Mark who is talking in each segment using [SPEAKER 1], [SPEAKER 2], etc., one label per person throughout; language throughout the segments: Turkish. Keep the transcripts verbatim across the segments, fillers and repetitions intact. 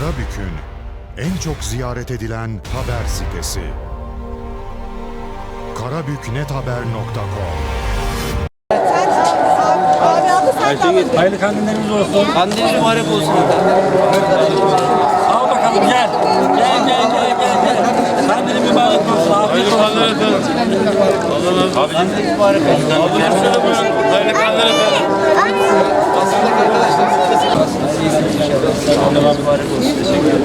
[SPEAKER 1] Karabük'ün en çok ziyaret edilen haber sitesi. karabüknethaber nokta com.
[SPEAKER 2] Hayırlı kandilleriniz olsun.
[SPEAKER 3] Kandiliniz mübarek olsun.
[SPEAKER 2] Al bakalım gel. Gel gel gel gel. gel. Kandilin mübarek olsun. Afiyet olsun.
[SPEAKER 3] Kandiliniz mübarek olsun.
[SPEAKER 2] Hayırlı kandiller efendim.
[SPEAKER 3] Basındaki arkadaşlarımız da mübarek olsun. Teşekkür ederim.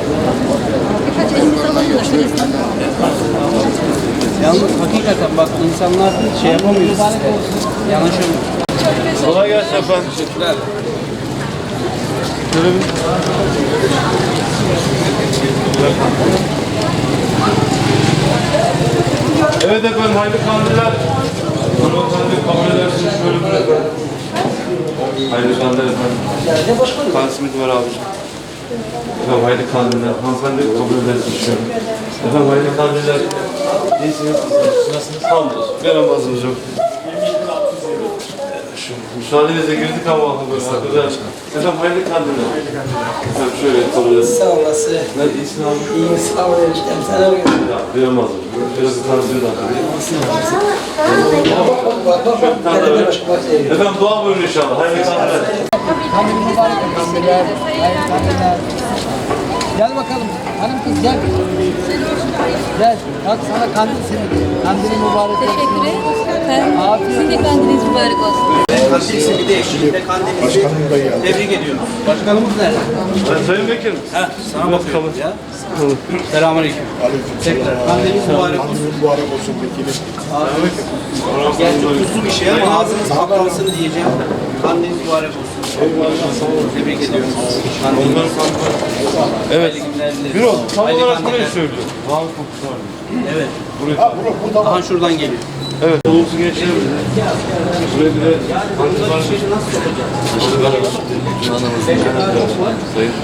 [SPEAKER 3] Yalnız hakikaten bak insanlar şey yapamıyor. Yanaşamıyor.
[SPEAKER 2] Kolay gelsin efendim.
[SPEAKER 3] Teşekkürler.
[SPEAKER 4] Evet efendim, hayırlı kandiller. Hanımefendi kabul edersiniz şöyle bir efendim. Hayırlı kandiller efendim. Kan simidi var abiciğim. Efendim hayırlı kandiller. Hanımefendi kabul edersiniz şöyle. Efendim hayırlı kandiller. İyisiniz. Nasılsınız? Sağ olun. Bir namazımız yok. Şu müsaadenizle girdik ama böyle. Efendim hayırlı kandiller. Efendim şöyle kabul edersiniz.
[SPEAKER 5] Sağ olasın.
[SPEAKER 4] Ne iyisin abi?
[SPEAKER 5] İyiyim, sağ ol eniştem. Sen ne yapıyorsun?
[SPEAKER 4] Ya bir namazım. Biraz bir tansiyon da.
[SPEAKER 5] Bak bak bak. Nerede başka bak seviyor.
[SPEAKER 4] Efendim dua buyurun inşallah. Hayırlı kandiller.
[SPEAKER 5] Kandil mübarek kandiller. Hayırlı kandiller. Gel bakalım. Hanım kız gel. Gel. Bak sana kandil seni. Kandilin mübarek olsun.
[SPEAKER 6] Teşekkür ederim. Sizin de kandiliniz mübarek olsun.
[SPEAKER 3] Kandil simidi eşliğinde kandilinizi tebrik ediyoruz. Başkanımız nerede?
[SPEAKER 4] Ben Sayın Vekilim.
[SPEAKER 3] Ha, sana bakıyorum ya. Selamünaleyküm. Tekrar kandiliniz mübarek olsun.
[SPEAKER 7] Mübarek olsun vekilim.
[SPEAKER 3] Gerçi tuzlu bir şey ama ağzınız patlansın diyeceğim. Kandiliniz mübarek olsun. Tebrik ediyorum. Kandiliniz
[SPEAKER 4] Evet. Bir ol. Tam
[SPEAKER 3] Hayırlı
[SPEAKER 4] olarak
[SPEAKER 3] kandiller.
[SPEAKER 4] burayı söylüyor. Bağlı kokusu var.
[SPEAKER 3] Evet.
[SPEAKER 7] Ha burada burada
[SPEAKER 3] Aha şuradan geliyor.
[SPEAKER 4] Evet. Olumsuz geçelim. Buraya bir de hangi var?
[SPEAKER 3] İşleri nasıl soracağız?
[SPEAKER 4] Sayın.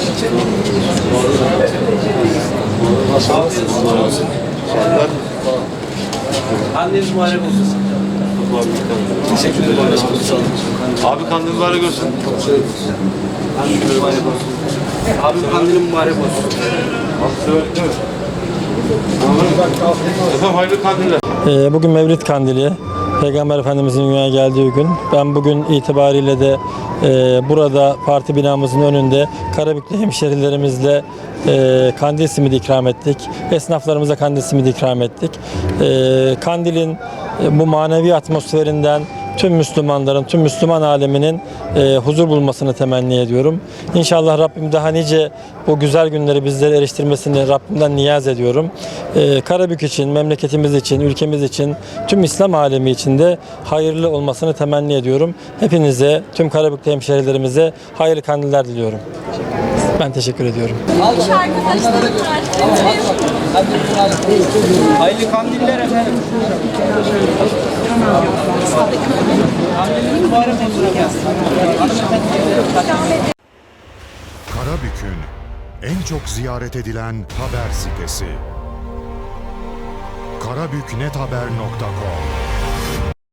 [SPEAKER 3] Kandiliniz mübarek olsun.
[SPEAKER 4] Teşekkür ederim. Abi kandil mübarek olsun.
[SPEAKER 3] Kandiliniz mübarek olsun. Abim kandilin mübarek olsun.
[SPEAKER 4] Efendim hayırlı kandiller.
[SPEAKER 8] Ee, Bugün Mevlid Kandili, Peygamber Efendimizin dünyaya geldiği gün. Ben bugün itibariyle de e, burada parti binamızın önünde Karabüklü hemşerilerimizle e, kandil simidi ikram ettik. Esnaflarımıza kandil simidi ikram ettik. E, kandilin e, bu manevi atmosferinden tüm Müslümanların, tüm Müslüman aleminin e, huzur bulmasını temenni ediyorum. İnşallah Rabbim daha nice bu güzel günleri bizlere eriştirmesini Rabbimden niyaz ediyorum. E, Karabük için, memleketimiz için, ülkemiz için, tüm İslam alemi için de hayırlı olmasını temenni ediyorum. Hepinize, tüm Karabüklü hemşehrilerimize hayırlı kandiller diliyorum. Ben teşekkür ediyorum.
[SPEAKER 3] Hayırlı kandiller efendim. Kandiliniz mübarek olsun efendim.
[SPEAKER 1] Karabük'ün en çok ziyaret edilen haber sitesi. karabüknethaber nokta com.